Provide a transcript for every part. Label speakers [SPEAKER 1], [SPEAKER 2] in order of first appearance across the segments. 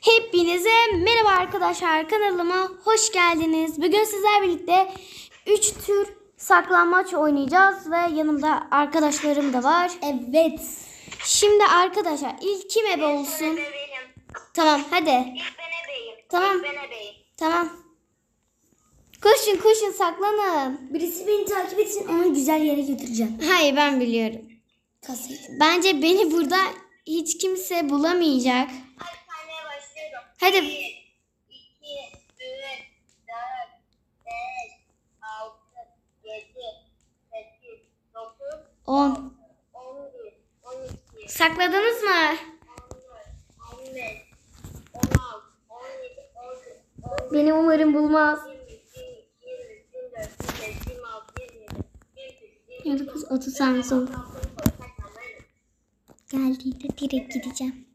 [SPEAKER 1] Hepinize merhaba arkadaşlar, kanalıma hoş geldiniz. Bugün sizlerle birlikte 3 tür saklambaç oynayacağız ve yanımda arkadaşlarım da var. Evet. Şimdi arkadaşlar ilk kim ebe olsun? Tamam hadi.
[SPEAKER 2] İlk ben ebeyim.
[SPEAKER 1] Tamam.
[SPEAKER 2] İlk ben ebeyim.
[SPEAKER 1] Tamam. Koşun saklanın.
[SPEAKER 3] Birisi beni takip etsin, onu güzel yere götüreceğim.
[SPEAKER 1] Hayır, ben biliyorum. Bence beni burada hiç kimse bulamayacak.
[SPEAKER 2] Hadi sahneye başlıyorum.
[SPEAKER 1] Hadi.
[SPEAKER 2] 1, 2, 3, 4, 5, 6, 7, 8, 9,
[SPEAKER 1] 10.
[SPEAKER 2] 11, 12,
[SPEAKER 1] Sakladınız mı?
[SPEAKER 2] 14, 15, 16, 17, 18, 19,
[SPEAKER 1] Beni umarım bulmaz.
[SPEAKER 2] 20, 24, 25, 26, 27,
[SPEAKER 1] 29, 30 saniye sonra. Geldiğinde direkt gideceğim.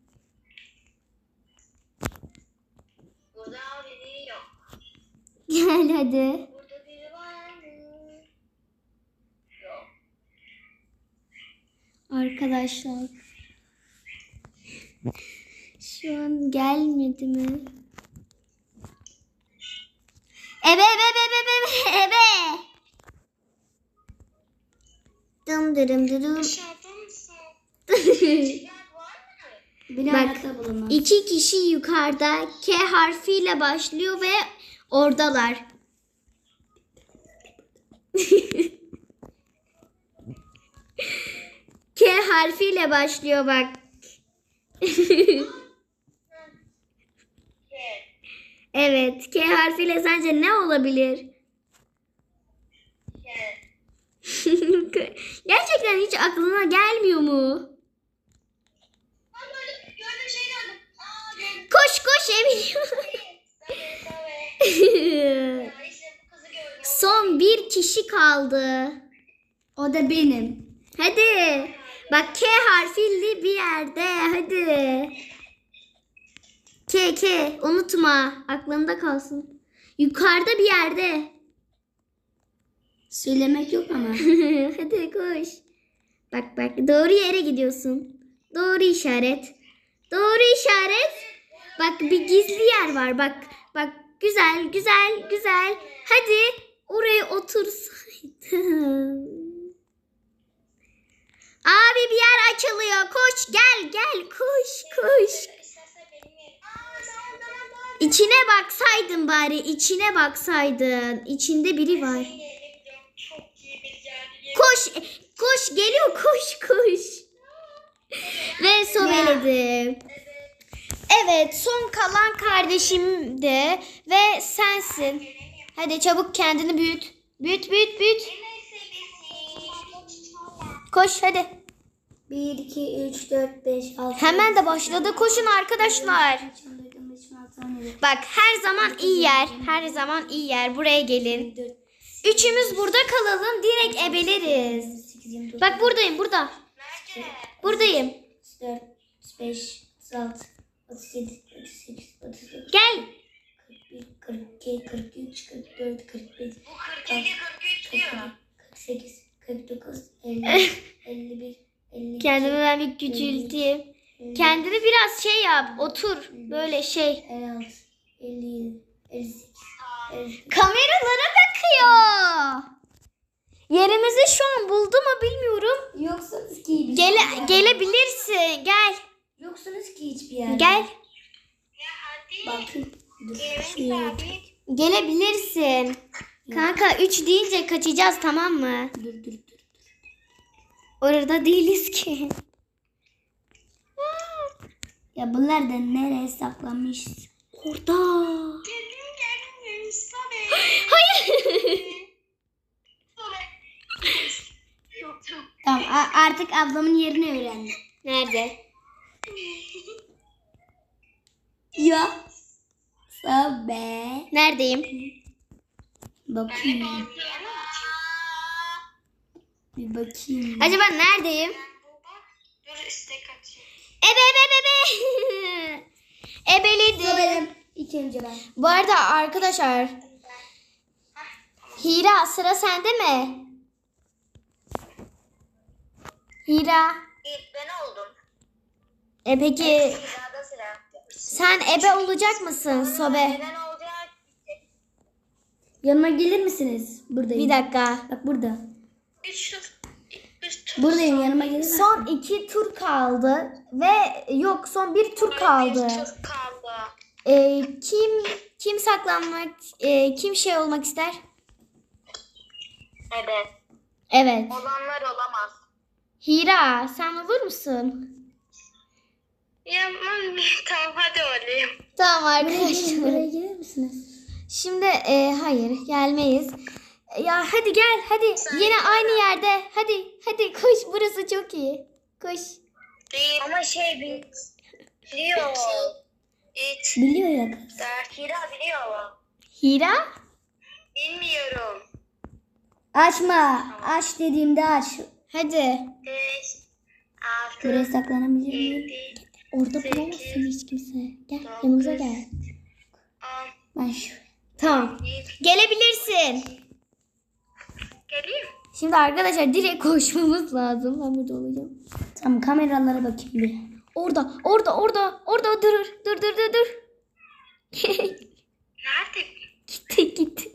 [SPEAKER 2] Burada biri yok.
[SPEAKER 1] Gel hadi.
[SPEAKER 2] Burada biri var mı? Yok.
[SPEAKER 1] Arkadaşlar. Şu an gelmedi mi? Ebe. Dım dırım dırım.
[SPEAKER 2] Dışarıda mısın? Yer var mı?
[SPEAKER 3] Beni
[SPEAKER 1] Bak,
[SPEAKER 3] hayatta bulamam.
[SPEAKER 1] 2 kişi yukarıda K harfiyle başlıyor ve oradalar. K harfiyle başlıyor bak. Evet, K harfiyle sence ne olabilir? Gerçekten hiç aklına gelmiyor mu?
[SPEAKER 2] Ben böyle gördüğüm şey gördüm. Gördüm.
[SPEAKER 1] Koş Eminim.
[SPEAKER 2] Ya işte bu kızı gördüm.
[SPEAKER 1] Son bir kişi kaldı.
[SPEAKER 3] O da benim.
[SPEAKER 1] Hadi. Bak K harfli bir yerde. Hadi. K. Unutma. Aklında kalsın. Yukarıda bir yerde.
[SPEAKER 3] Söylemek yok ama.
[SPEAKER 1] Hadi koş. Bak. Doğru yere gidiyorsun. Doğru işaret. Bak bir gizli yer var. Bak. Güzel. Hadi. Oraya otursaydın. Abi bir yer açılıyor. Koş gel. Koş.
[SPEAKER 2] İstersen benim yerim.
[SPEAKER 1] İçine baksaydın bari. İçinde biri var.
[SPEAKER 2] Çok iyi bir yer.
[SPEAKER 1] Koş geliyor koş. Ve sobeledim. Evet, son kalan kardeşim de ve sensin. Hadi çabuk kendini büyüt. Büyüt. Koş hadi.
[SPEAKER 3] 1, 2, 3, 4, 5, 6.
[SPEAKER 1] Hemen de başladı. Koşun arkadaşlar. Bak her zaman iyi yer. Buraya gelin. Üçümüz burada kalalım. Direkt ebeleriz. Bak buradayım. Buradayım.
[SPEAKER 3] 4, 5, 36, 37, 38, 39,
[SPEAKER 1] Gel.
[SPEAKER 3] 41, 42, 43, 44, 45,
[SPEAKER 2] Bu 42, 43 diyor.
[SPEAKER 3] 48, 49, 50, 51, 52.
[SPEAKER 1] Kendimi ben bir küçülteyim. Kendini biraz şey yap. Otur. Böyle şey.
[SPEAKER 3] 56, 57, 58, 59.
[SPEAKER 1] Kameralara bakıyor. Yerimizi şu an buldu mu bilmiyorum.
[SPEAKER 3] Yoksunuz ki
[SPEAKER 1] Gelebilirsin. Gel.
[SPEAKER 3] Yoksunuz ki hiçbir yerde.
[SPEAKER 1] Gel.
[SPEAKER 2] Ya hadi.
[SPEAKER 3] Bakın. Dur.
[SPEAKER 2] Yerim
[SPEAKER 3] Şuraya.
[SPEAKER 2] sabit.
[SPEAKER 1] Gelebilirsin. Kanka 3 deyince kaçacağız, tamam mı?
[SPEAKER 3] Dur.
[SPEAKER 1] Orada değiliz ki.
[SPEAKER 3] Ya bunlar da nereye saklanmış?
[SPEAKER 1] Orada.
[SPEAKER 2] Geldim Sabe.
[SPEAKER 1] Hayır.
[SPEAKER 3] Tamam artık ablamın yerini öğrendim.
[SPEAKER 1] Nerede?
[SPEAKER 3] Ya. Sabe.
[SPEAKER 1] Neredeyim?
[SPEAKER 3] Bakayım. Bir bakayım.
[SPEAKER 1] Acaba neredeyim?
[SPEAKER 2] Dur istek atayım.
[SPEAKER 1] Ebe. Ebeledim.
[SPEAKER 3] Benim. İlk önce ben.
[SPEAKER 1] Bu arada arkadaşlar, Hira sıra sende mi? Hira.
[SPEAKER 2] İlk ben oldum.
[SPEAKER 1] Peki
[SPEAKER 2] Sırada sıra.
[SPEAKER 1] Sen ebe olacak mısın Sobe?
[SPEAKER 2] Neden olacak?
[SPEAKER 3] Yanıma gelir misiniz? Buradayım.
[SPEAKER 1] Bir dakika.
[SPEAKER 3] Bak burada.
[SPEAKER 2] Üç tur.
[SPEAKER 3] Buradayım, yanıma gelir misin?
[SPEAKER 1] Son 2 tur kaldı ve yok son 1 tur kaldı.
[SPEAKER 2] Bir tur kaldı.
[SPEAKER 1] Kim saklanmak, kim şey olmak ister?
[SPEAKER 2] Evet.
[SPEAKER 1] Evet.
[SPEAKER 2] Olanlar olamaz.
[SPEAKER 1] Hira sen olur musun?
[SPEAKER 2] Ya tamam hadi olayım.
[SPEAKER 1] Tamam
[SPEAKER 3] Buraya
[SPEAKER 1] arkadaşlar.
[SPEAKER 3] gelir misiniz?
[SPEAKER 1] Şimdi hayır gelmeyiz. Ya hadi gel hadi yine aynı yerde. Hadi koş burası çok iyi. Koş.
[SPEAKER 2] Değil. Ama biliyor. Hiç.
[SPEAKER 3] Biliyor ya kız.
[SPEAKER 2] Hira biliyor.
[SPEAKER 1] Hira?
[SPEAKER 2] Bilmiyorum.
[SPEAKER 3] Açma. Aç dediğimde aç.
[SPEAKER 1] Hadi.
[SPEAKER 2] 5, 6,
[SPEAKER 3] Buraya saklanabilir miyim?
[SPEAKER 2] 7,
[SPEAKER 1] Orada
[SPEAKER 2] Sekiz,
[SPEAKER 1] bulamazsın hiç kimse. Gel
[SPEAKER 2] dokuz,
[SPEAKER 1] yanımıza gel.
[SPEAKER 2] 10,
[SPEAKER 3] Ben şu.
[SPEAKER 1] Tamam.
[SPEAKER 2] 1.
[SPEAKER 1] Gelebilirsin.
[SPEAKER 2] Geleyim.
[SPEAKER 1] Şimdi arkadaşlar direkt koşmamız lazım. Ben burada olacağım.
[SPEAKER 3] Tamam, kameralara bakayım bir.
[SPEAKER 1] Orada dur.
[SPEAKER 2] Nerede?
[SPEAKER 1] Gitti.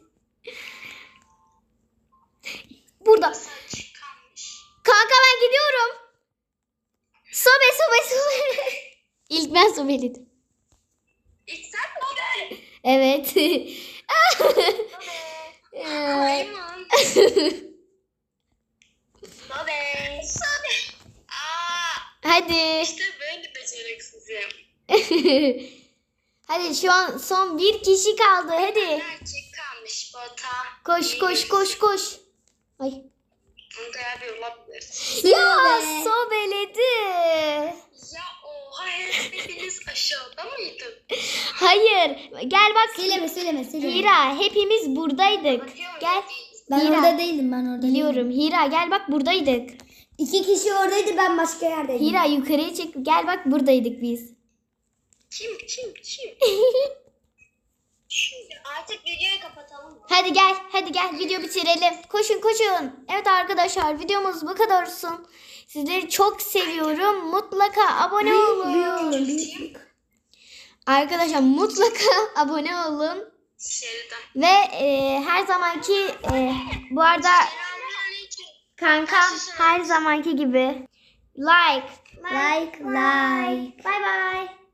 [SPEAKER 1] Burada.
[SPEAKER 2] Saç kalmış.
[SPEAKER 1] Kanka ben gidiyorum. Sobe. İlk ben sobeledim.
[SPEAKER 2] İlk sen mi gider?
[SPEAKER 1] Evet.
[SPEAKER 2] Maymun. Sobe. Aa,
[SPEAKER 1] Hadi.
[SPEAKER 2] işte böyle beceriksizim.
[SPEAKER 1] Hadi şu an son bir kişi kaldı. Hadi.
[SPEAKER 2] Gerçek kalmış bota.
[SPEAKER 1] Koş. Ay.
[SPEAKER 2] Onu da abi olabilir.
[SPEAKER 1] Ya
[SPEAKER 3] Sobe.
[SPEAKER 1] sobeledi.
[SPEAKER 2] Ya oha hepiniz aşağıda mıydı?
[SPEAKER 1] Hayır. Gel bak.
[SPEAKER 3] Söyleme.
[SPEAKER 1] Hira hepimiz buradaydık. Gel.
[SPEAKER 3] Ben
[SPEAKER 1] Hira.
[SPEAKER 3] orada değildim, ben orada
[SPEAKER 1] Biliyorum. Hira gel bak buradaydık.
[SPEAKER 3] değilim. 2 kişi oradaydı, ben başka yerdeydim.
[SPEAKER 1] Hira yukarıya çek. Gel bak buradaydık biz.
[SPEAKER 2] Kim? Şimdi artık videoyu kapatalım mı?
[SPEAKER 1] Hadi gel video bitirelim. Koşun. Evet arkadaşlar videomuz bu kadar olsun. Sizleri çok seviyorum. Mutlaka abone olun. Arkadaşlar mutlaka abone olun.
[SPEAKER 2] Şeriden.
[SPEAKER 1] Ve her zamanki bu arada
[SPEAKER 2] Selamünaleyküm.
[SPEAKER 1] kankam her zamanki gibi like.
[SPEAKER 3] Like.
[SPEAKER 1] Bye bye.